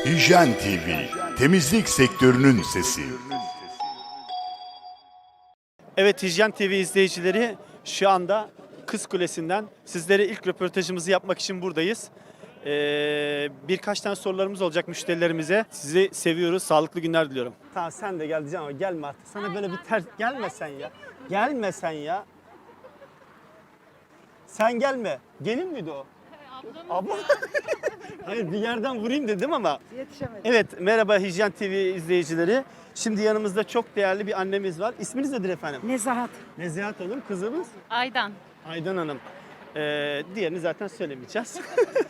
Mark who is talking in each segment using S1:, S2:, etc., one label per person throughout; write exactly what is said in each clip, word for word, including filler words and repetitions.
S1: Hijyen T V, temizlik sektörünün sesi.
S2: Evet, Hijyen T V izleyicileri, şu anda Kız Kulesi'nden sizlere ilk röportajımızı yapmak için buradayız. Ee, birkaç tane sorularımız olacak müşterilerimize. Sizi seviyoruz, sağlıklı günler diliyorum. Tamam, sen de gel diyeceğim ama gelme artık. Sana böyle bir ters... Gelme sen ya. Gelme sen ya. Sen gelme. Gelin miydi o? Abla. Hayır, bir yerden vurayım dedim ama.
S3: Yetişemedim.
S2: Evet, merhaba Hijyen T V izleyicileri. Şimdi yanımızda çok değerli bir annemiz var. İsminiz nedir efendim?
S3: Nezahat.
S2: Nezihat Hanım, kızımız
S4: Aydan.
S2: Aydan Hanım. Ee, diğerini zaten söylemeyeceğiz.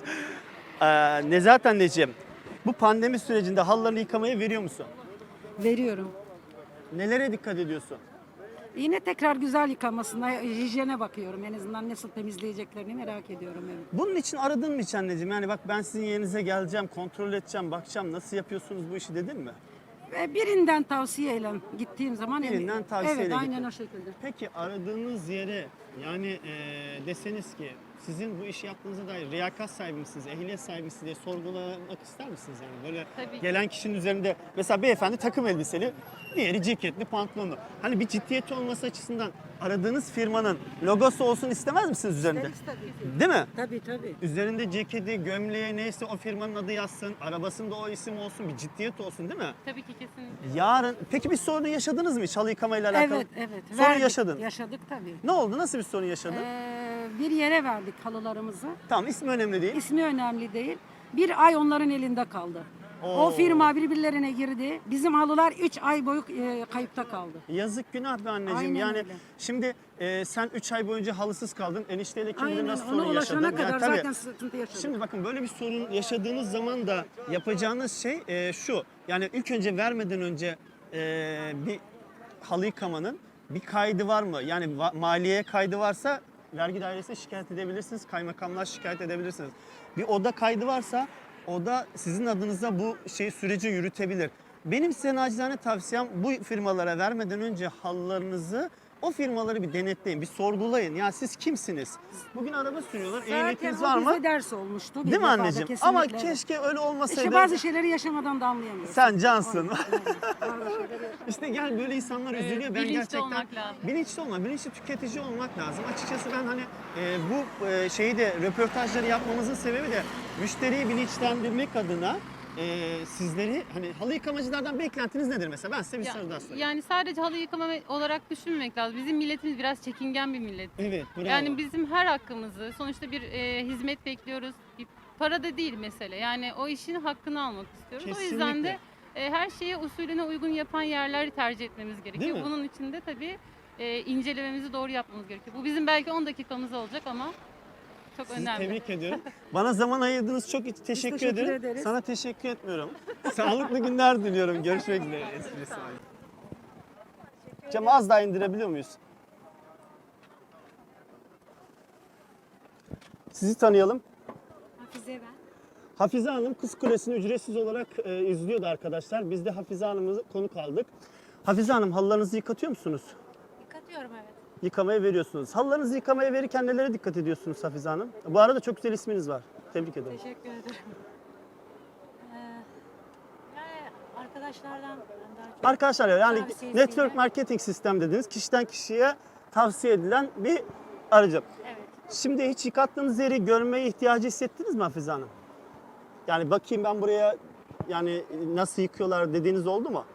S2: ee, Nezahat anneciğim, bu pandemi sürecinde halılarını yıkamaya veriyor musun?
S3: Veriyorum.
S2: Nelere dikkat ediyorsun?
S3: Yine tekrar güzel yıkamasına, hijyene bakıyorum. En azından nasıl temizleyeceklerini merak ediyorum. Evet.
S2: Bunun için aradın mı hiç anneciğim? Yani bak, ben sizin yerinize geleceğim, kontrol edeceğim, bakacağım nasıl yapıyorsunuz bu işi dedin mi?
S3: Ve birinden tavsiyeyle gittiğim zaman...
S2: Birinden
S3: emin-
S2: tavsiyeyle
S3: Evet, aynen
S2: gittin.
S3: o şekilde.
S2: Peki aradığınız yere yani e, deseniz ki sizin bu işi yaptığınıza dair riyakat sahibi misiniz, ehliyet sahibi misiniz diye sorgulamak ister misiniz? Yani böyle
S4: Tabii.
S2: gelen kişinin üzerinde mesela beyefendi takım elbiseli, diğeri ceketli, pantolonlu. Hani bir ciddiyeti olması açısından aradığınız firmanın logosu olsun istemez misiniz üzerinde?
S3: İsteriz tabii ki.
S2: Değil mi?
S3: Tabii tabii.
S2: Üzerinde ceketi, gömleği neyse o firmanın adı yazsın, arabasında o isim olsun, bir ciddiyet olsun değil mi?
S4: Tabii ki kesinlikle.
S2: Yarın, peki bir sorun yaşadınız mı hiç halı yıkamayla alakalı?
S3: Evet, evet.
S2: Sorun
S3: Verdik,
S2: yaşadın.
S3: Yaşadık tabii.
S2: Ne oldu? Nasıl bir sorun yaşadın?
S3: Ee, bir yere verdik halılarımızı.
S2: Tamam, ismi önemli değil.
S3: İsmi önemli değil. Bir ay onların elinde kaldı.
S2: Oo.
S3: O firma birbirlerine girdi. Bizim halılar üç ay boyu e, kayıpta kaldı.
S2: Yazık, günah be anneciğim.
S3: Aynen
S2: yani
S3: öyle.
S2: şimdi e, sen üç ay boyunca halısız kaldın. Enişteyle kim bilir
S3: Aynen,
S2: nasıl
S3: ona
S2: sorun
S3: ulaşana
S2: yaşadın.
S3: kadar
S2: Yani tabii.
S3: zaten sıkıntı yaşadık.
S2: Şimdi bakın, böyle bir sorun yaşadığınız zaman da yapacağınız şey e, şu. Yani ilk önce vermeden önce e, bir halı yıkamanın bir kaydı var mı? Yani va- maliyeye kaydı varsa vergi dairesine şikayet edebilirsiniz. Kaymakamlığa şikayet edebilirsiniz. Bir oda kaydı varsa oda sizin adınıza bu şey süreci yürütebilir. Benim size nacizane tavsiyem, bu firmalara vermeden önce halılarınızı, o firmaları bir denetleyin, bir sorgulayın. Ya siz kimsiniz? Bugün araba sürüyorlar, ehliyetiniz var
S3: Zaten o
S2: mı?
S3: bize ders olmuştu. bir
S2: Değil mi
S3: defada,
S2: anneciğim?
S3: kesinlikle.
S2: Ama keşke öyle olmasaydı.
S3: İşte bazı şeyleri yaşamadan da anlayamıyorsun.
S2: Sen cansın.
S3: Aynen, aynen. Bazı şeyleri yaşamadan.
S2: İşte gel, böyle insanlar
S4: Evet,
S2: üzülüyor. Ben
S4: bilinçli
S2: gerçekten
S4: olmak lazım.
S2: bilinçli olmak, bilinçli tüketici olmak lazım. Açıkçası ben hani e, bu e, şeyi de, röportajları yapmamızın sebebi de müşteriyi bilinçlendirmek adına e, sizleri, hani halı yıkamacılardan beklentiniz nedir mesela? Ben size bir
S4: Ya-
S2: soru daha sorayım.
S4: yani sadece halı yıkama olarak düşünmemek lazım. Bizim milletimiz biraz çekingen bir millet.
S2: Evet, bravo.
S4: Yani bizim her hakkımızı, sonuçta bir e, hizmet bekliyoruz. Bir para da değil mesele. Yani o işin hakkını almak istiyoruz. O yüzden
S2: Kesinlikle.
S4: de e, her şeye usulüne uygun yapan yerleri tercih etmemiz gerekiyor.
S2: mi?
S4: Bunun için de tabii e, incelememizi doğru yapmamız gerekiyor. Bu bizim belki on dakikamız olacak ama çok
S2: Sizi
S4: önemli.
S2: tebrik ediyorum. Bana zaman ayırdığınız çok teşekkür,
S3: teşekkür
S2: ederim.
S3: ederiz.
S2: Sana teşekkür etmiyorum. Sağlıklı günler diliyorum. Görüşmek üzere. Esprisi var. Camı az daha indirebiliyor muyuz? Sizi tanıyalım.
S5: Hafize ben.
S2: Hafize Hanım Kız Kulesi'ni ücretsiz olarak e, izliyordu arkadaşlar. Biz de Hafize Hanım'ı konuk aldık. Hafize Hanım, halılarınızı yıkatıyor musunuz?
S5: Yıkatıyorum evet.
S2: Yıkamaya veriyorsunuz. Halılarınızı yıkamaya verirken nelere dikkat ediyorsunuz Hafize Hanım? Bu arada çok güzel isminiz var. Tebrik ederim.
S5: Teşekkür ederim. Ee, yani arkadaşlardan ben daha çok
S2: Arkadaşlar, yani
S5: Tavsiyesiyle.
S2: network marketing sistem dediniz. Kişiden kişiye tavsiye edilen bir aracı.
S5: evet.
S2: Şimdi hiç yıkattığınız yeri görmeye ihtiyacı hissettiniz mi Hafize Hanım? Yani bakayım ben buraya, yani nasıl yıkıyorlar dediğiniz oldu mu?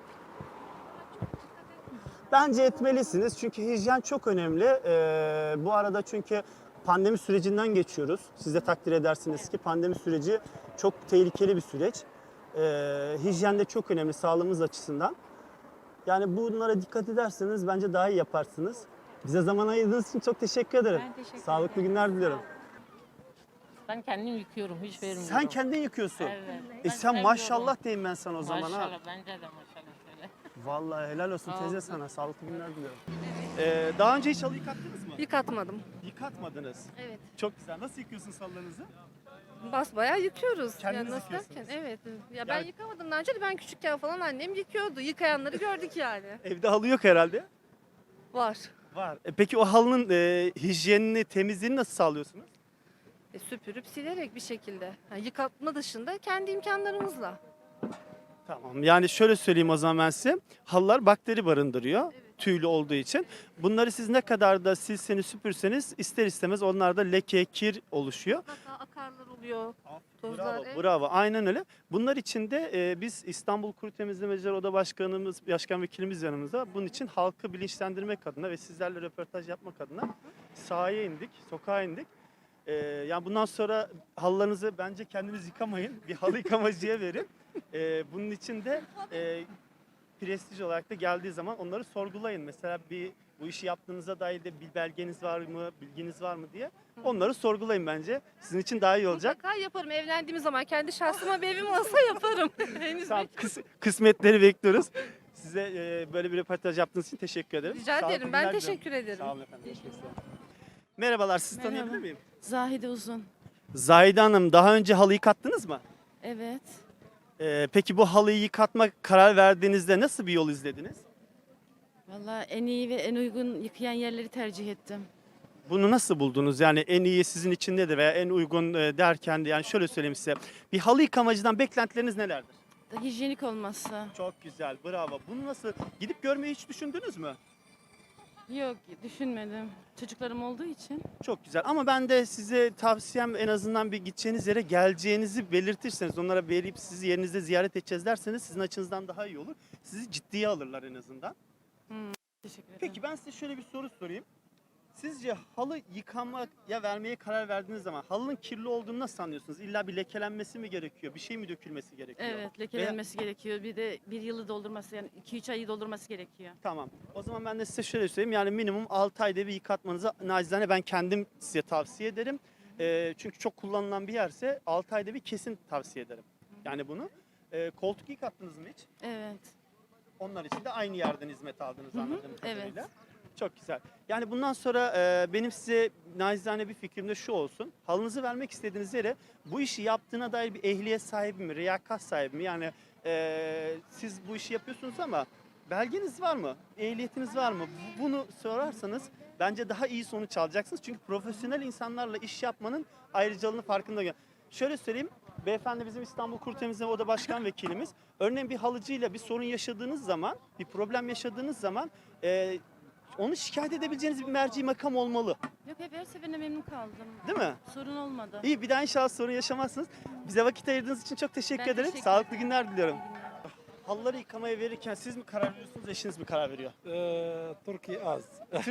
S2: Bence etmelisiniz çünkü hijyen çok önemli. Ee, bu arada çünkü pandemi sürecinden geçiyoruz. Siz de takdir edersiniz ki pandemi süreci çok tehlikeli bir süreç. Ee, hijyen de çok önemli sağlığımız açısından. Yani bunlara dikkat ederseniz bence daha iyi yaparsınız. Bize zaman ayırdığınız için çok teşekkür ederim.
S5: Ben teşekkür
S2: Sağlıklı
S5: ederim.
S2: günler diliyorum.
S6: Ben kendim yıkıyorum, hiç vermiyorum.
S2: Sen kendin yıkıyorsun.
S6: Evet.
S2: E
S6: Ben
S2: sen
S6: seviyorum.
S2: maşallah diyeyim ben sana o zaman ha.
S6: Maşallah, bence de maşallah şöyle.
S2: Vallahi helal olsun
S6: Sağ
S2: teyze
S6: olun.
S2: sana. Sağlıklı günler diliyorum. Ee, daha önce hiç halı yıkattınız mı?
S7: Yıkatmadım.
S2: Yıkatmadınız.
S7: Evet.
S2: Çok güzel. Nasıl yıkıyorsunuz halılarınızı?
S7: Basbayağı yıkıyoruz.
S2: Kendiniz
S7: Ya nasıl
S2: yıkıyorsunuz.
S7: derken? Evet. Ya ben
S2: Yani-
S7: yıkamadım daha önce de, ben küçükken falan annem yıkıyordu. Yıkayanları gördük yani.
S2: Evde halı yok herhalde.
S7: Var.
S2: Var. E peki o halının e, hijyenini, temizliğini nasıl sağlıyorsunuz?
S7: E, süpürüp silerek bir şekilde. Yani yıkatma dışında kendi imkanlarımızla.
S2: Tamam. Yani şöyle söyleyeyim o zaman ben size. Halılar bakteri barındırıyor. Tüylü olduğu için. Bunları siz ne kadar da silseniz süpürseniz ister istemez onlarda leke, kir oluşuyor.
S7: Hatta akarlar oluyor. Tozlar,
S2: Bravo,
S7: evet.
S2: bravo. Aynen öyle. Bunlar için de e, biz İstanbul Kuru Temizlemeciler Oda Başkanımız, Başkan Vekilimiz yanımızda. Bunun için halkı bilinçlendirmek adına ve sizlerle röportaj yapmak adına sahaya indik, sokağa indik. E, yani bundan sonra halılarınızı bence kendiniz yıkamayın. Bir halı yıkamacıya verin. E, bunun için de e, prestij olarak da geldiği zaman onları sorgulayın. Mesela bir bu işi yaptığınıza dair de bir belgeniz var mı, bilginiz var mı diye. Onları sorgulayın bence. Sizin için daha iyi olacak.
S7: Mutlaka yaparım. Evlendiğimiz zaman kendi şahsıma bir evim olsa yaparım. Henüz
S2: Tamam,
S7: bir-
S2: kıs- kısmetleri bekliyoruz. Size e, böyle bir röportaj yaptığınız için teşekkür ederim.
S7: Rica
S2: Sağlıklı
S7: ederim. Ben
S2: günler diliyorum.
S7: teşekkür ederim.
S2: Sağ olun efendim. Görüşmek üzere. Merhabalar, sizi
S8: Merhaba.
S2: tanıyabilir miyim?
S8: Zahide Uzun.
S2: Zahide Hanım, daha önce halı yıkattınız mı?
S8: Evet.
S2: Ee, peki bu halıyı yıkatma karar verdiğinizde nasıl bir yol izlediniz?
S8: Vallahi en iyi ve en uygun yıkayan yerleri tercih ettim.
S2: Bunu nasıl buldunuz? Yani en iyi sizin için nedir veya en uygun e, derken de yani şöyle söyleyeyim size. Bir halı yıkamacıdan beklentileriniz nelerdir?
S8: Da hijyenik olması.
S2: Çok güzel, bravo. Bunu nasıl gidip görmeyi hiç düşündünüz mü?
S8: Yok, düşünmedim. Çocuklarım olduğu için.
S2: Çok güzel ama ben de size tavsiyem en azından bir gideceğiniz yere geleceğinizi belirtirseniz, onlara verip sizi yerinizde ziyaret edeceğiz derseniz sizin açınızdan daha iyi olur. Sizi ciddiye alırlar en azından.
S8: Teşekkür ederim.
S2: Peki ben size şöyle bir soru sorayım. Sizce halı yıkamaya vermeye karar verdiğiniz zaman halının kirli olduğunu nasıl anlıyorsunuz? İlla bir lekelenmesi mi gerekiyor? Bir şey mi dökülmesi gerekiyor?
S8: Evet, lekelenmesi gerekiyor. Bir de bir yılı doldurması, yani iki üç ayı doldurması gerekiyor.
S2: Tamam. O zaman ben de size şöyle söyleyeyim. Yani minimum altı ayda bir yıkatmanızı nacizane ben kendim size tavsiye ederim. Ee, çünkü çok kullanılan bir yerse altı ayda bir kesin tavsiye ederim. Yani bunu. Ee, koltuk yıkattınız mı hiç?
S8: Evet.
S2: Onlar için de aynı yerden hizmet aldınız anladığım
S8: evet.
S2: kadarıyla. Çok güzel. Yani bundan sonra e, benim size nacizane bir fikrim de şu olsun. Halınızı vermek istediğiniz yere bu işi yaptığına dair bir ehliyet sahibi mi, riyakat sahibi mi? Yani e, siz bu işi yapıyorsunuz ama belgeniz var mı? Ehliyetiniz var mı? Bunu sorarsanız bence daha iyi sonuç alacaksınız. Çünkü profesyonel insanlarla iş yapmanın ayrıcalığını farkında. Şöyle söyleyeyim. Beyefendi bizim İstanbul Kuru Temizleme Oda Başkan Vekilimiz. Örneğin bir halıcıyla bir sorun yaşadığınız zaman, bir problem yaşadığınız zaman e, onu şikayet edebileceğiniz bir merci makam olmalı.
S8: Yok, hep her seferinde memnun kaldım.
S2: Değil mi?
S8: Sorun olmadı.
S2: İyi, bir daha inşallah sorun yaşamazsınız. Bize vakit ayırdığınız için çok teşekkür
S8: Ben
S2: ederim.
S8: teşekkür
S2: Sağlıklı
S8: ederim.
S2: günler diliyorum.
S8: İyi günler.
S2: Halıları yıkamaya verirken siz mi karar veriyorsunuz, eşiniz mi karar veriyor?
S9: Ee, Türkiye az.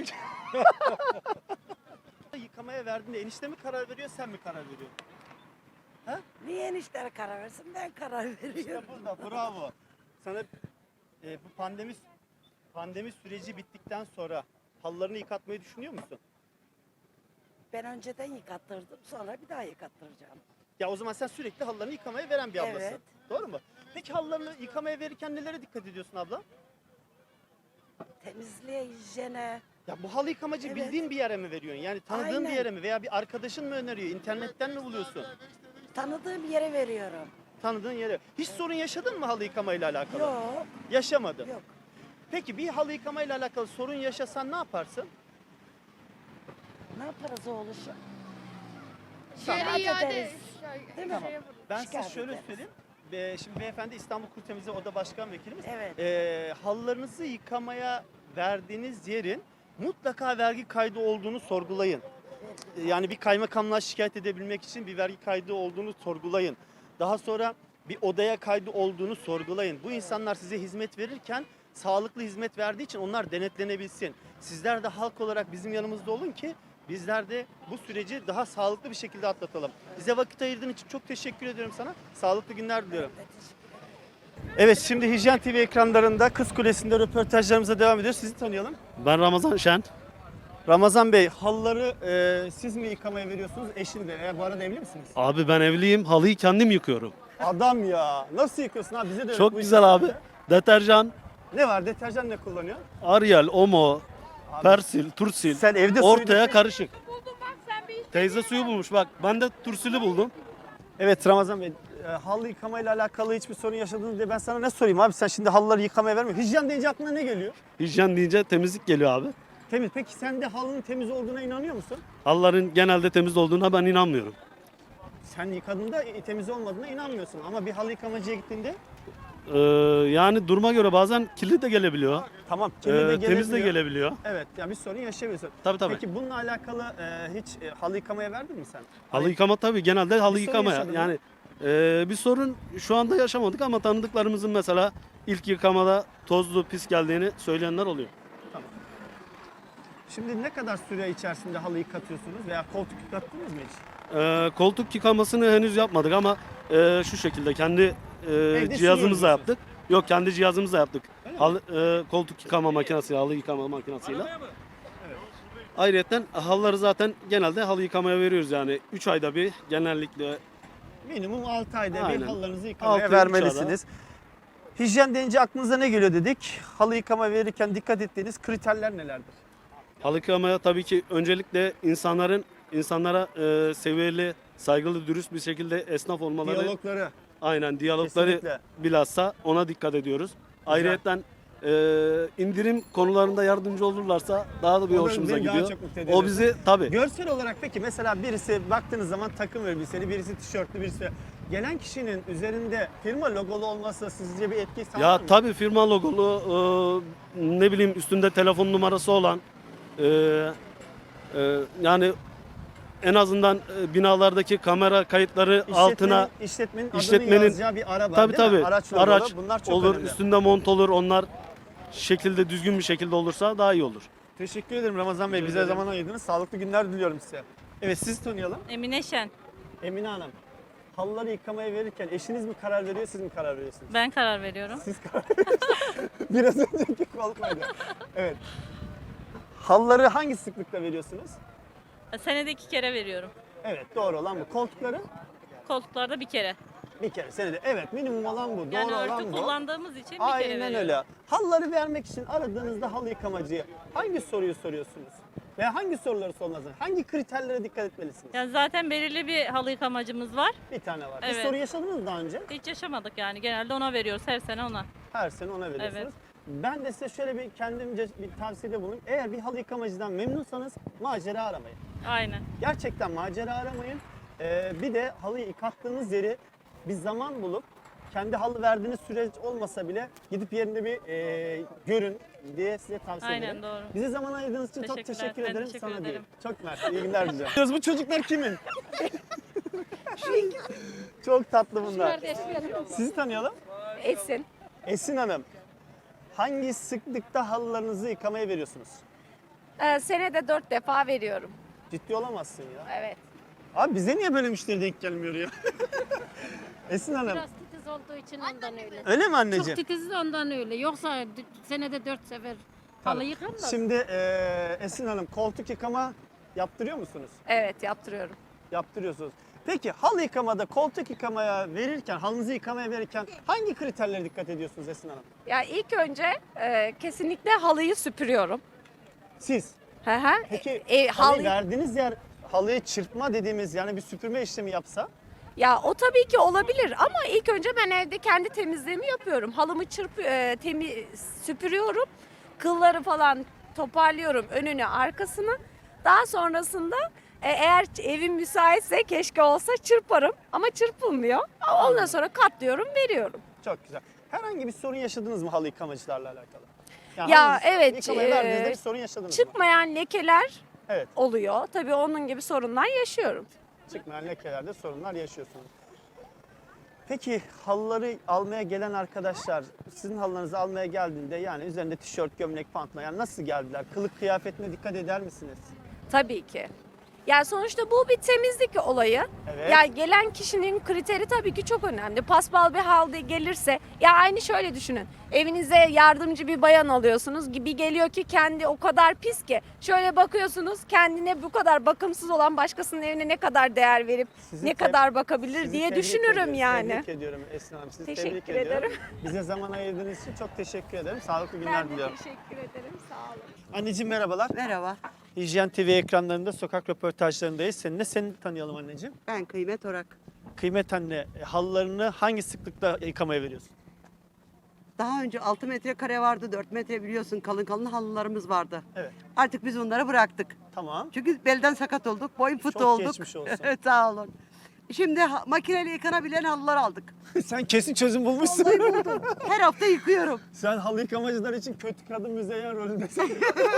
S2: Yıkamaya verdiğinde enişte mi karar veriyor, sen mi karar veriyorsun?
S10: Niye eniştere karar versin? Ben karar veriyorum.
S2: İşte burada, bravo. Sana e, bu pandemi pandemi süreci bittikten sonra halılarını yıkatmayı düşünüyor musun?
S10: Ben önceden yıkattırdım, sonra bir daha yıkattıracağım.
S2: Ya o zaman sen sürekli halılarını yıkamaya veren bir ablasın.
S10: Evet.
S2: Doğru mu? Peki halılarını yıkamaya verirken nelere dikkat ediyorsun abla?
S10: Temizliğe, hijyene.
S2: Ya bu halı yıkamacı
S10: Evet.
S2: bildiğin bir yere mi veriyorsun? Yani tanıdığın bir
S10: Aynen.
S2: yere mi? Veya bir arkadaşın mı öneriyor? İnternetten mi buluyorsun?
S10: Tanıdığım yere veriyorum.
S2: Tanıdığın yere. Hiç sorun yaşadın mı halı yıkamayla alakalı?
S10: Yok,
S2: Yaşamadın.
S10: yok.
S2: Peki bir halı yıkamayla alakalı sorun yaşasan ne yaparsın?
S10: Ne yaparız oğluşum?
S7: Geri
S10: Şikayet
S7: iade.
S10: ederiz. Değil mi?
S2: Ben size
S10: Şikayet
S2: şöyle
S10: ederiz.
S2: söyleyeyim. Be- Şimdi beyefendi İstanbul Kuru Temizliği Oda Başkan Vekilimiz.
S10: Evet.
S2: Ee, halılarınızı yıkamaya verdiğiniz yerin mutlaka vergi kaydı olduğunu sorgulayın. Ee, Yani bir kaymakamlığa şikayet edebilmek için bir vergi kaydı olduğunu sorgulayın. Daha sonra bir odaya kaydı olduğunu sorgulayın. Bu insanlar size hizmet verirken sağlıklı hizmet verdiği için onlar denetlenebilsin. Sizler de halk olarak bizim yanımızda olun ki bizler de bu süreci daha sağlıklı bir şekilde atlatalım. Bize vakit ayırdığın için çok teşekkür ediyorum sana. Sağlıklı günler diliyorum. Evet, şimdi Hijyen T V ekranlarında Kız Kulesi'nde röportajlarımıza devam ediyoruz. Sizi tanıyalım.
S11: Ben Ramazan Şen.
S2: Ramazan Bey, halıları e, siz mi yıkamaya veriyorsunuz, eşin de? E, bu arada evli misiniz?
S11: Abi ben evliyim. Halıyı kendim yıkıyorum.
S2: Adam ya. Nasıl yıkıyorsun abi? Bize de öğret
S11: Çok
S2: bu
S11: güzel
S2: işi.
S11: abi. Deterjan,
S2: Ne var? Deterjan ne kullanıyor?
S11: Ariel, Omo,
S2: Abi,
S11: Persil, Tursil.
S2: sen evde suyu
S11: Ortaya
S2: dökmek-
S11: karışık. Teyze suyu bulmuş bak. Ben de Tursil'i buldum.
S2: Evet Ramazan Bey, e, halı yıkamayla alakalı hiçbir sorun yaşadınız diye ben sana ne sorayım abi? Sen şimdi halıları yıkamaya vermiyorsun. Hijyen deyince aklına ne geliyor?
S11: Hijyen deyince temizlik geliyor abi.
S2: Temiz. Peki sen de halının temiz olduğuna inanıyor musun?
S11: Halıların genelde temiz olduğuna ben inanmıyorum.
S2: Sen yıkadığında e, temiz olmadığına inanmıyorsun. Ama bir halı yıkamacıya gittiğinde
S11: Ee, yani duruma göre bazen kirli de gelebiliyor.
S2: Tamam.
S11: Ee,
S2: kirli de
S11: temiz de
S2: gelebiliyor.
S11: gelebiliyor.
S2: Evet. Yani bir sorun yaşayabiliyorsun.
S11: Tabii tabii.
S2: Peki bununla alakalı e, hiç e, halı yıkamaya verdin mi sen?
S11: Halı yıkama tabii genelde halı
S2: Bir sorun
S11: yıkama
S2: yaşadın mı?
S11: yani e, bir sorun şu anda yaşamadık ama tanıdıklarımızın mesela ilk yıkamada tozlu pis geldiğini söyleyenler oluyor.
S2: Şimdi ne kadar süre içerisinde halı yıkatıyorsunuz veya koltuk yıkattınız mı hiç?
S11: E, koltuk yıkamasını henüz yapmadık ama e, şu şekilde kendi e,
S2: sürüyoruz
S11: cihazımızla
S2: diyorsunuz.
S11: yaptık. Yok kendi cihazımızla yaptık.
S2: Öyle mi?
S11: Halı, e, koltuk yıkama makinesi, halı yıkama makinesiyle. Ayrıyeten halıları zaten genelde halı yıkamaya veriyoruz yani üç ayda bir genellikle.
S2: Minimum altı ayda bir
S11: Aynen.
S2: halılarınızı yıkamaya
S11: Altı,
S2: vermelisiniz. Hijyen deyince aklınıza ne geliyor dedik? Halı yıkama verirken dikkat ettiğiniz kriterler nelerdir?
S11: Halı yıkamaya tabii ki öncelikle insanların insanlara e, seviyeli, saygılı, dürüst bir şekilde esnaf olmaları.
S2: Diyalogları.
S11: Aynen diyalogları
S2: Kesinlikle.
S11: bilhassa ona dikkat ediyoruz. Ayrıyeten e, indirim konularında yardımcı olurlarsa daha da bir
S2: O da
S11: hoşumuza
S2: beni daha
S11: gidiyor.
S2: çok mutlu ediyor.
S11: O bizi tabii.
S2: Görsel olarak peki mesela birisi baktığınız zaman takım elbiseli, birisi tişörtlü, birisi gelen kişinin üzerinde firma logolu olması sizce bir etki sağlar
S11: Ya
S2: mı?
S11: tabii firma logolu e, ne bileyim üstünde telefon numarası olan e, e, yani en azından e, binalardaki kamera kayıtları
S2: İşletmenin-
S11: altına
S2: işletmenin adını
S11: işletmenin-
S2: yazacağı bir araba
S11: tabii
S2: değil mi?
S11: tabii
S2: Araç logolu.
S11: araç
S2: Bunlar çok
S11: olur,
S2: önemli.
S11: üstünde mont olur. Onlar şekilde düzgün bir şekilde olursa daha iyi olur.
S2: Teşekkür ederim Ramazan Bey. Bize zaman ayırdınız. Sağlıklı günler diliyorum size. Evet sizi tanıyalım.
S8: Emine Şen.
S2: Emine Hanım. Halıları yıkamaya verirken eşiniz mi karar veriyor, siz mi karar veriyorsunuz?
S8: Ben karar veriyorum.
S2: Siz karar veriyorsunuz. Biraz önceki kolpaydı. Evet. Halıları hangi sıklıkta veriyorsunuz?
S8: Senede iki kere veriyorum.
S2: Evet doğru olan bu. Koltukları
S8: Koltuklarda bir kere.
S2: bir kere senede. Evet minimum olan bu.
S8: Yani
S2: doğru
S8: örtü
S2: olan bu.
S8: kullandığımız için bir kere
S2: Aynen
S8: veriyorum.
S2: öyle. Halıları vermek için aradığınızda halı yıkamacıyı hangi soruyu soruyorsunuz? Veya hangi soruları sormalısınız? Hangi kriterlere dikkat etmelisiniz?
S8: Yani zaten belirli bir halı yıkamacımız var.
S2: Bir tane var. Bir
S8: Evet.
S2: soru yaşadınız mı daha önce?
S8: Hiç yaşamadık yani. Genelde ona veriyoruz. Her sene ona.
S2: Her sene ona veriyorsunuz.
S8: Evet.
S2: Ben de size şöyle bir kendimce bir tavsiyede bulunayım. Eğer bir halı yıkamacıdan memnunsanız macera aramayın.
S8: Aynen.
S2: Gerçekten macera aramayın. Ee, bir de halı yıkattığınız yeri bir zaman bulup kendi halı verdiğiniz süreç olmasa bile gidip yerinde bir e, görün diye size tavsiye
S8: Aynen,
S2: ederim.
S8: doğru.
S2: Bize zaman ayırdığınız için çok
S8: Teşekkürler,
S2: teşekkür
S8: ben
S2: ederim.
S8: teşekkür
S2: Sana
S8: ederim.
S2: değil. Çok mersi. İyi günler diliyorum. Bu çocuklar kimin? Çok tatlı bunlar. Sizi tanıyalım.
S7: Esin.
S2: Esin Hanım. Hangi sıklıkta halılarınızı yıkamaya veriyorsunuz?
S7: Ee, senede dört defa veriyorum.
S2: Ciddi olamazsın ya.
S7: Evet.
S2: Abi bize niye böyle müşteri denk gelmiyor ya? Esin Hanım.
S3: Biraz titiz olduğu için ondan öyle.
S2: Öyle mi
S3: Çok
S2: anneciğim?
S3: titiz ondan öyle. Yoksa d- senede dört sefer halı yıkanmaz.
S2: Şimdi eee, Esin Hanım koltuk yıkama yaptırıyor musunuz?
S7: Evet yaptırıyorum.
S2: Yaptırıyorsunuz. Peki halı yıkamada koltuk yıkamaya verirken, halınızı yıkamaya verirken hangi kriterlere dikkat ediyorsunuz Esin Hanım?
S7: Ya ilk önce e, kesinlikle halıyı süpürüyorum.
S2: Siz.
S7: Hı hı.
S2: Peki
S7: E,
S2: halıyı
S7: halı-
S2: verdiğiniz yer halıyı çırpma dediğimiz yani bir süpürme işlemi yapsa
S7: Ya o tabii ki olabilir ama ilk önce ben evde kendi temizliğimi yapıyorum. Halımı çırp e, temi süpürüyorum. Kılları falan toparlıyorum önünü arkasını. Daha sonrasında e, eğer evim müsaitse keşke olsa çırparım ama çırpılmıyor. Ondan sonra katlıyorum, veriyorum.
S2: çok güzel. Herhangi bir sorun yaşadınız mı halı yıkamacılarla alakalı?
S7: Ya
S2: halınızı
S7: evet,
S2: Yıkamaya verdiğinizde
S7: eee,
S2: bir sorun yaşadınız mı?
S7: Çıkmayan lekeler
S2: Evet.
S7: oluyor. Tabii onun gibi sorunlar yaşıyorum.
S2: Çıkmayan lekelerde sorunlar yaşıyorsunuz. Peki halıları almaya gelen arkadaşlar sizin halılarınızı almaya geldiğinde yani üzerinde tişört, gömlek, pantolon yani nasıl geldiler? Kılık kıyafetine dikkat eder misiniz?
S7: Tabii ki. Yani sonuçta bu bir temizlik olayı.
S2: Evet.
S7: Ya gelen kişinin kriteri tabii ki çok önemli. Paspal bir halde gelirse ya aynı şöyle düşünün. Evinize yardımcı bir bayan alıyorsunuz. Bir geliyor ki kendi o kadar pis ki. Şöyle bakıyorsunuz kendine bu kadar bakımsız olan başkasının evine ne kadar değer verip
S2: Sizi
S7: ne
S2: teb-
S7: kadar bakabilir
S2: Sizi
S7: diye
S2: tebrik
S7: düşünürüm
S2: ediyorum,
S7: yani.
S2: Tebrik ediyorum Esin Hanım. Sizi
S7: Teşekkür
S2: tebrik ediyorum.
S7: ederim.
S2: Bize zaman ayırdığınız için çok teşekkür ederim. Sağlıklı günler diliyorum.
S7: teşekkür ederim. Sağ olun.
S2: Anneciğim merhabalar.
S10: Merhaba.
S2: Hijyen T V ekranlarında sokak röportajlarındayız. Seninle seni tanıyalım anneciğim.
S10: Ben Kıymet Orak.
S2: Kıymet anne e, halılarını hangi sıklıkta yıkamaya veriyorsun?
S10: Daha önce altı metrekare vardı, dört metre biliyorsun kalın kalın halılarımız vardı.
S2: Evet.
S10: Artık biz onları bıraktık.
S2: Tamam.
S10: Çünkü belden sakat olduk, boyun fıtı
S2: Çok
S10: olduk.
S2: geçmiş olsun.
S10: Sağ olun. Şimdi ha- makineyle yıkanabilen halılar aldık.
S2: Sen kesin çözüm bulmuşsun.
S10: Vallahi buldum. Her hafta yıkıyorum.
S2: Sen halı yıkamacılar için kötü kadın müzeyyen rolündesin.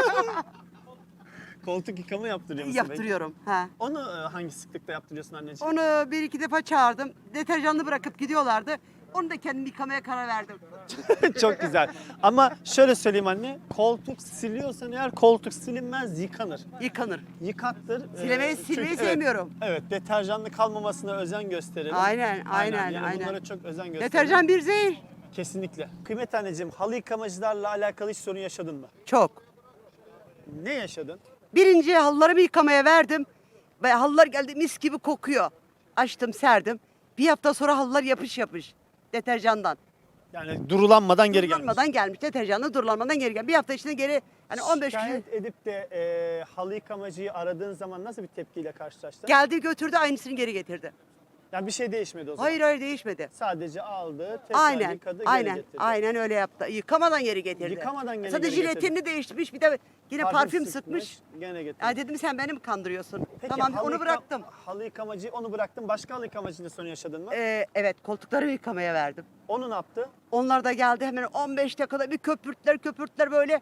S2: Koltuk yıkama yaptırıyor musun?
S10: Yaptırıyorum. Ha.
S2: Peki? Onu e, hangi sıklıkta yaptırıyorsun anneciğim?
S10: Onu bir iki defa çağırdım. Deterjanlı bırakıp gidiyorlardı. Onu da kendim yıkamaya karar verdim.
S2: Çok güzel. Ama şöyle söyleyeyim anne, koltuk siliyorsan eğer koltuk silinmez, yıkanır.
S10: Yıkanır.
S2: Yıkattır.
S10: Silemeyi,
S2: Ee,
S10: silmeyi
S2: çünkü- evet,
S10: sevmiyorum.
S2: Evet, deterjanlı kalmamasına özen gösterelim.
S10: Aynen, aynen,
S2: yani
S10: aynen.
S2: Bunlara çok özen gösterelim.
S10: Deterjan bir zehir.
S2: Kesinlikle. Kıymet anneciğim, halı yıkamacılarla alakalı hiç sorun yaşadın mı?
S10: Çok.
S2: Ne yaşadın?
S10: Birinci halılarımı yıkamaya verdim. Ve halılar geldi mis gibi kokuyor. Açtım, serdim. Bir hafta sonra halılar yapış yapış. Deterjandan.
S2: Yani durulanmadan geri gelmiş.
S10: Durulanmadan gelmiş. Deterjanlı durulanmadan geri gelmiş. Bir hafta içinde geri hani on beş gün
S2: Şikayet edip de e, halı yıkamacıyı aradığın zaman nasıl bir tepkiyle karşılaştın?
S10: geldi götürdü aynısını geri getirdi.
S2: Yani bir şey değişmedi o zaman.
S10: Hayır hayır değişmedi.
S2: Sadece aldı, tekrar
S10: Aynen,
S2: yıkadı, geri
S10: aynen,
S2: getirdi.
S10: aynen öyle yaptı. Yıkamadan geri getirdi.
S2: Yıkamadan gene
S10: Sadece
S2: geri getirdi.
S10: jiletini değiştirmiş, bir de yine parfüm, sıkmış.
S2: Gene getirdi.
S10: Ya dedim sen beni mi kandırıyorsun?
S2: Peki,
S10: Tamam
S2: halı
S10: onu
S2: yıka-
S10: bıraktım.
S2: Halı yıkamacıyı onu bıraktın. Başka halı yıkamacıyla sorun yaşadın mı?
S10: Ee, evet koltukları yıkamaya verdim.
S2: Onu ne yaptı?
S10: Onlar da geldi hemen on beş dakikada bir köpürtler köpürtler böyle.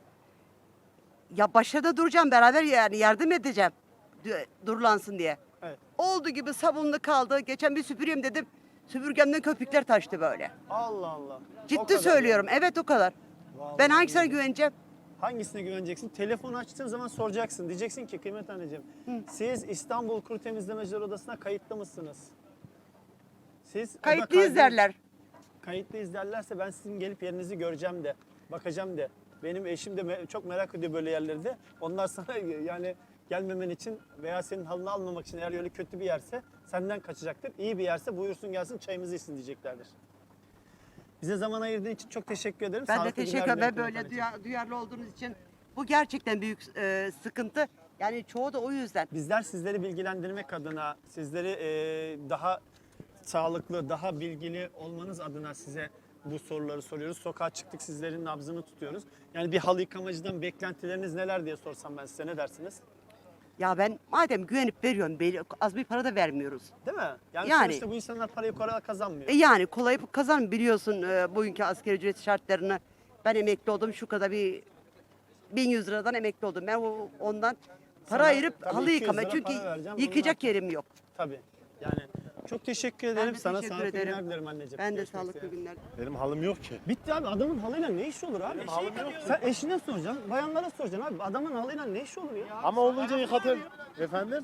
S10: Ya başta duracağım beraber yani yardım edeceğim. d- Durulansın diye.
S2: Evet.
S10: Oldu gibi sabunlu kaldı. Geçen bir süpüreyim dedim. Süpürgemden köpükler taştı böyle.
S2: Allah Allah. O
S10: Ciddi
S2: kadar
S10: söylüyorum. Evet o kadar.
S2: Vallahi
S10: Ben hangisine
S2: billahi.
S10: güveneceğim?
S2: Hangisine güveneceksin? Telefonu açtığın zaman soracaksın. Diyeceksin ki kıymet anneciğim, siz İstanbul Kuru Temizlemeciler Odası'na kayıtlı mısınız? Siz o da
S10: Kayıtlıyız
S2: kaydı-
S10: derler.
S2: Kayıtlıyız derlerse ben sizin gelip yerinizi göreceğim de, bakacağım de. Benim eşim de me- çok merak ediyor böyle yerleri de. Onlar sana yani gelmemen için veya senin halını almamak için eğer öyle kötü bir yerse senden kaçacaktır. İyi bir yerse buyursun gelsin çayımızı içsin diyeceklerdir. Bize zaman ayırdığın için çok teşekkür ederim.
S10: Ben de
S2: Sağlıklı
S10: teşekkür
S2: günler
S10: ederim.
S2: diliyorum
S10: Böyle
S2: Kıymet anneciğim.
S10: duya- duyarlı olduğunuz için. Bu gerçekten büyük e, sıkıntı. Yani çoğu da o yüzden.
S2: Bizler sizleri bilgilendirmek adına, sizleri e, daha sağlıklı, daha bilgili olmanız adına size bu soruları soruyoruz. Sokağa çıktık, sizlerin nabzını tutuyoruz. Yani bir halı yıkamacıdan beklentileriniz neler diye sorsam ben size ne dersiniz?
S10: Ya ben madem güvenip veriyorum, belli- az bir para da vermiyoruz.
S2: Değil mi? Yani,
S10: Yani.
S2: sonuçta bu insanlar parayı kolay kazanmıyor.
S10: E yani kolay kazan biliyorsun e, bugünkü asgari ücret şartlarını. Ben emekli oldum şu kadar bir bin yüz liradan emekli oldum. Ben o- ondan para
S2: Sana
S10: ayırıp
S2: tabii
S10: halı
S2: iki yüz
S10: yıkama
S2: lira
S10: çünkü
S2: para vereceğim,
S10: yıkayacak
S2: bunlar-
S10: yerim yok.
S2: Tabii. Yani çok teşekkür ederim.
S10: de
S2: Sana
S10: teşekkür
S2: sağlıklı
S10: ederim.
S2: günler dilerim anneciğim.
S10: Ben de
S2: Görüşmek
S10: sağlıklı
S2: üzere.
S10: günler.
S9: Benim halım yok ki.
S2: Bitti abi, adamın halıyla ne işi olur abi?
S9: halım yok.
S2: Sen eşine soracaksın, bayanlara soracaksın abi. Adamın halıyla ne işi olur ya?
S9: Ama olunca yıkatır. Efendim?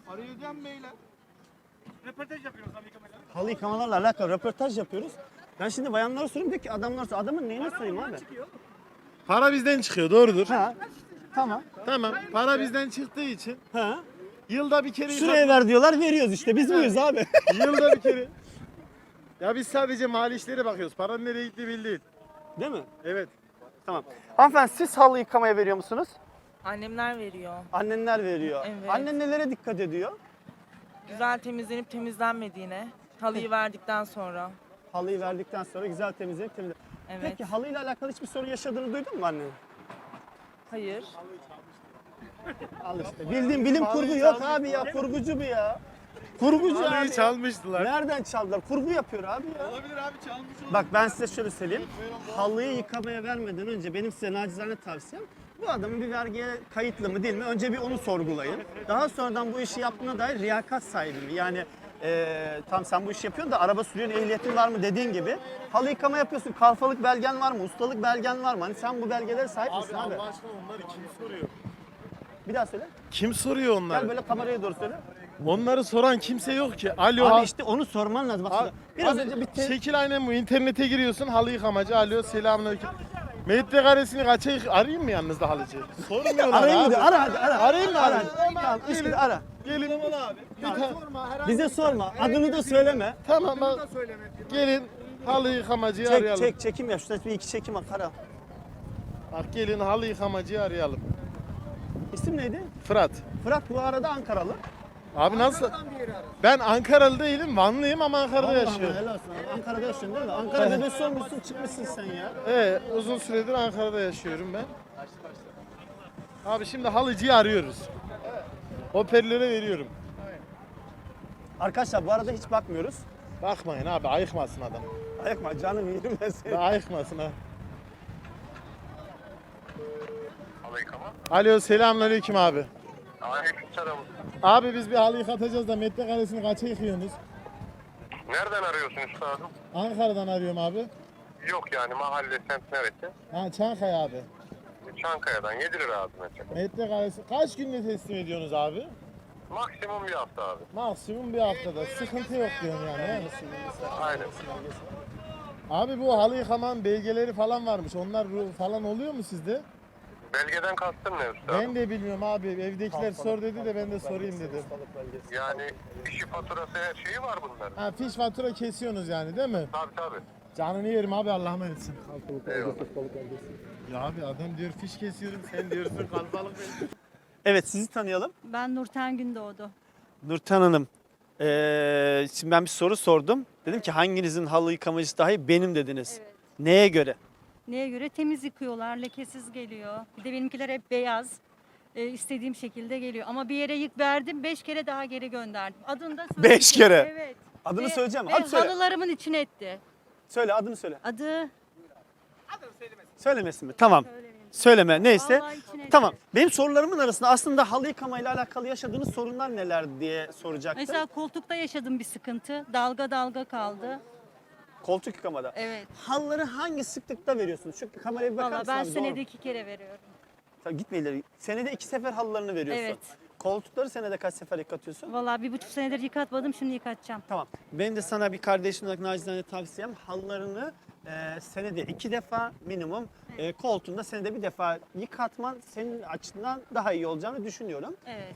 S2: Halı yıkamalarla alakalı röportaj yapıyoruz. Ben şimdi bayanlara soruyorum diyor ki adamlar sor- adamın neyine sorayım abi?
S9: Para bizden çıkıyor doğrudur.
S2: Ha. Tamam.
S9: Tamam. Para bizden çıktığı için
S2: Ha.
S9: yılda bir kere
S2: Şuraya ver diyorlar, veriyoruz işte. Biz buyuz abi.
S9: Yılda bir kere. Ya biz sadece mali işlere bakıyoruz. Paranın nereye gittiği belli değil.
S2: Değil mi?
S9: Evet.
S2: Tamam. Hanımefendi siz halı yıkamaya veriyor musunuz?
S8: Annemler veriyor.
S2: Annenler veriyor.
S8: Evet.
S2: Annen nelere dikkat ediyor?
S8: Güzel temizlenip temizlenmediğine, halıyı verdikten sonra.
S2: Halıyı verdikten sonra güzel temizlenip temizlenip.
S8: Evet.
S2: Peki halıyla alakalı hiçbir sorun yaşadığını duydun mu annen?
S8: Hayır.
S2: Al işte. Bildiğin bilim kurgu
S9: Halıyı
S2: yok
S9: çalmış
S2: abi ya. Kurgucu bu ya. Kurgucu abi.
S9: Halıyı
S2: ya.
S9: çalmıştılar.
S2: Nereden çaldılar? Kurgu yapıyor abi ya.
S9: Olabilir abi çalmış olur.
S2: Bak ben size şöyle söyleyeyim. Halıyı yıkamaya vermeden önce benim size nacizane tavsiyem bu adamın bir vergiye kayıtlı mı değil mi? Önce bir onu sorgulayın. Daha sonradan bu işi yaptığına dair riyakat sahibi mi? Yani eee tam sen bu işi yapıyorsun da araba sürüyorsun, ehliyetin var mı dediğin gibi. Halı yıkama yapıyorsun, kalfalık belgen var mı? Ustalık belgen var mı? Hani sen bu belgelere sahip misin
S9: Abi
S2: abi?
S9: Allah aşkına onları kim soruyor?
S2: Bir daha söyle.
S9: Kim soruyor
S2: Gel
S9: onları?
S2: böyle kameraya doğru söyle.
S9: Onları soran kimse yok ki. Alo.
S2: Abi işte onu sorman lazım. Bak
S9: Abi,
S2: biraz
S9: abi,
S2: önce bir te-
S9: şekil aynen bu. İnternete giriyorsun halı yıkamacı. Alo selamünaleyküm. Metrekaresini kaça yık... Arayayım mı yanınızda halıcı? Sormuyorlar
S2: Arayayım
S9: abi.
S2: mı diyor? Ara hadi ara.
S9: Arayayım mı
S2: Ara.
S9: abi?
S2: Tamam işte ara.
S9: Gelin. abi.
S2: Bize sorma. Adını da söyleme.
S9: Tamam bak. Gelin halı yıkamacıyı
S2: Çek
S9: arayalım.
S2: çek çekim yap. Şurada bir iki çekim at. Ara.
S9: Bak gelin halı yıkamacıyı arayalım.
S2: İsim neydi?
S9: Fırat.
S2: Fırat bu arada Ankaralı.
S9: Abi nasıl? Ben Ankaralı değilim, Vanlıyım ama Ankara'da
S2: Allah
S9: yaşıyorum.
S2: Allah, helal olsun abi. Ankara'da yaşıyorsun değil mi? Ankara bebesi olmuşsun çıkmışsın sen ya.
S9: Evet, uzun süredir Ankara'da yaşıyorum ben. Abi şimdi halıcıyı arıyoruz. Hoparlöre veriyorum.
S2: Arkadaşlar bu arada hiç bakmıyoruz.
S9: Bakmayın abi, ayıkmasın adam.
S2: Ayakma canım yerim ben seni.
S9: Ya ayıkmasın ha. Alo, selamünaleyküm abi.
S12: Aleykümselam.
S9: Abi biz bir halı yıkatacağız da metrekaresini kaça yıkıyorsunuz?
S12: Nereden arıyorsun üstadım?
S9: Ankara'dan arıyorum abi.
S12: Yok yani mahalle semt neresi?
S9: Ha, Çankaya abi.
S12: Çankaya'dan yedi lira abi metre.
S9: Metrekaresi kaç günde teslim ediyorsunuz abi?
S12: Maksimum bir hafta abi.
S9: Maksimum bir haftada. Sıkıntı yok diyorum yani. he?
S12: Aynen.
S9: Abi bu halı yıkamanın belgeleri falan varmış. Onlar ru- falan oluyor mu sizde?
S12: Belgeden kastın ne üstadım?
S9: Ben de bilmiyorum abi. Evdekiler sor dedi de ben de sorayım dedim.
S12: Yani işi faturası her şeyi var bunların.
S9: Ha, fiş fatura kesiyorsunuz yani değil mi?
S12: Tabii tabii.
S9: Canını yerim abi, Allah'a emanetsin.
S12: Eyvallah.
S9: Ya abi adam diyor fiş kesiyorum, sen diyorsun kalbalık.
S2: Evet sizi tanıyalım.
S5: Ben Nurten Gündoğdu.
S2: Nurten Hanım. Ee, şimdi ben bir soru sordum. Dedim ki hanginizin halı yıkamacısı daha iyi? Benim dediniz.
S5: Evet.
S2: Neye göre?
S5: Neye göre? Temiz yıkıyorlar, lekesiz geliyor. Bir de benimkiler hep beyaz. Ee, istediğim şekilde geliyor. Ama bir yere yık verdim, beş kere daha geri gönderdim. Adını da söyleyeyim.
S2: Beş kere?
S5: Evet.
S2: Adını
S5: Ve-
S2: söyleyeceğim.
S5: Ve
S2: Hadi söyle.
S5: halılarımın içine etti.
S2: Söyle adını söyle.
S5: Adı
S2: Söylemesin mi? Tamam.
S5: söylemeyeyim.
S2: Söyleme neyse.
S5: Vallahi içine etti.
S2: Tamam. Benim sorularımın arasında aslında halı yıkamayla alakalı yaşadığınız sorunlar neler diye soracaktım.
S5: Mesela koltukta yaşadım bir sıkıntı. Dalga dalga kaldı.
S2: Koltuk yıkamada.
S5: Evet.
S2: Halıları hangi sıklıkta veriyorsunuz? Çünkü kameraya bir bakar
S5: Valla
S2: mısın
S5: ben
S2: abi?
S5: senede
S2: Doğru.
S5: iki kere veriyorum.
S2: Tabii gitme ileri. Senede iki sefer halılarını veriyorsun.
S5: Evet.
S2: Koltukları senede kaç sefer yıkatıyorsun?
S5: Valla bir buçuk senedir yıkatmadım, şimdi yıkatacağım.
S2: Tamam. Benim de sana bir kardeşim olarak nacizane tavsiyem halılarını e, senede iki defa minimum e, koltuğunda senede bir defa yıkatman senin açından daha iyi olacağını düşünüyorum.
S5: Evet.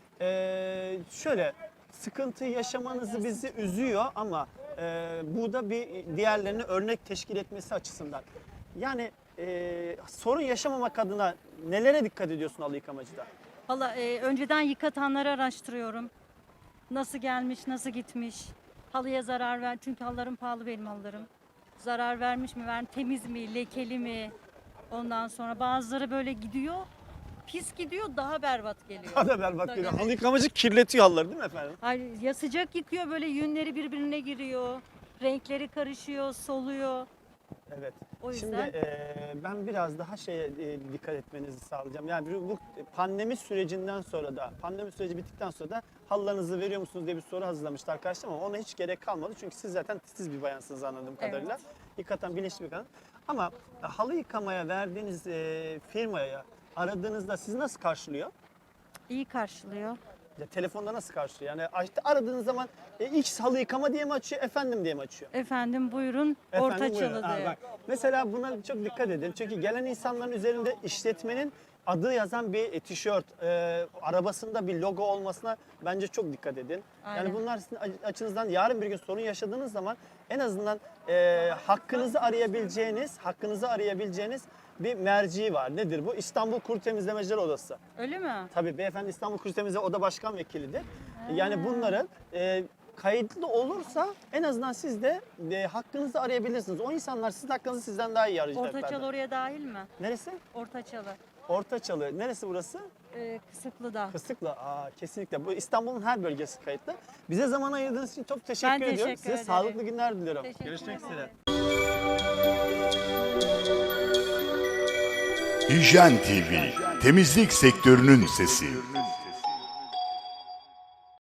S2: E, şöyle sıkıntı yaşamanızı bizi üzüyor ama e, bu da bir diğerlerine örnek teşkil etmesi açısından. Yani e, sorun yaşamamak adına nelere dikkat ediyorsun halı yıkamacıda?
S5: Valla e, önceden yıkatanları araştırıyorum. Nasıl gelmiş, nasıl gitmiş. Halıya zarar ver. Çünkü halılarım pahalı benim halılarım. Zarar vermiş mi, ver, temiz mi, lekeli mi? Ondan sonra bazıları böyle gidiyor. Pis gidiyor, daha berbat geliyor.
S2: Daha da berbat
S5: Tabii,
S2: geliyor.
S5: evet.
S2: Halı yıkamacı kirletiyor halıları değil mi efendim?
S5: Ay, ya sıcak yıkıyor, böyle yünleri birbirine giriyor. Renkleri karışıyor, soluyor.
S2: Evet.
S5: O
S2: Şimdi
S5: yüzden
S2: e, ben biraz daha şeye e, dikkat etmenizi sağlayacağım. Yani bu bu pandemi sürecinden sonra da, pandemi süreci bittikten sonra da halılarınızı veriyor musunuz diye bir soru hazırlamıştı arkadaşlar ama ona hiç gerek kalmadı. Çünkü siz zaten titiz bir bayansınız anladığım kadarıyla. Yıkatan bilinçli bir kadın. Ama e, halı yıkamaya verdiğiniz e, firmaya aradığınızda sizi nasıl karşılıyor?
S5: iyi karşılıyor.
S2: Ya, telefonda nasıl karşılıyor? Yani işte aradığınız zaman e, X halı yıkama diye mi açıyor, efendim diye mi açıyor?
S5: Efendim buyurun,
S2: Efendim,
S5: orta
S2: buyurun.
S5: çalı
S2: Ha,
S5: diye.
S2: bak. Mesela buna çok dikkat edin. Çünkü gelen insanların üzerinde işletmenin adı yazan bir tişört, e, arabasında bir logo olmasına bence çok dikkat edin. Yani
S5: Aynen.
S2: bunlar sizin açınızdan yarın bir gün sorun yaşadığınız zaman en azından e, hakkınızı arayabileceğiniz, hakkınızı arayabileceğiniz bir merci var. Nedir bu? İstanbul Kuru Temizlemeciler Odası.
S5: Öyle mi?
S2: Tabii beyefendi İstanbul Kuru Temizleme Oda Başkan Vekilidir. Yani bunların e, kayıtlı olursa en azından siz de e, hakkınızı arayabilirsiniz. O insanlar sizin hakkınızı sizden daha iyi arayacaklar.
S5: Orta çalı oraya dahil mi?
S2: Neresi?
S5: Orta çalı.
S2: Ortaçalı. Neresi burası?
S5: Ee, Kısıklı'da.
S2: Kısıklı. Aa, kesinlikle. Bu İstanbul'un her bölgesi kayıtlı. Bize zaman ayırdığınız için çok teşekkür
S5: Ben
S2: ediyorum.
S5: teşekkür
S2: Size
S5: ederim.
S2: sağlıklı günler diliyorum.
S5: Teşekkür
S2: Görüşmek
S5: ederim.
S2: üzere.
S1: Hijyen T V, temizlik sektörünün sesi.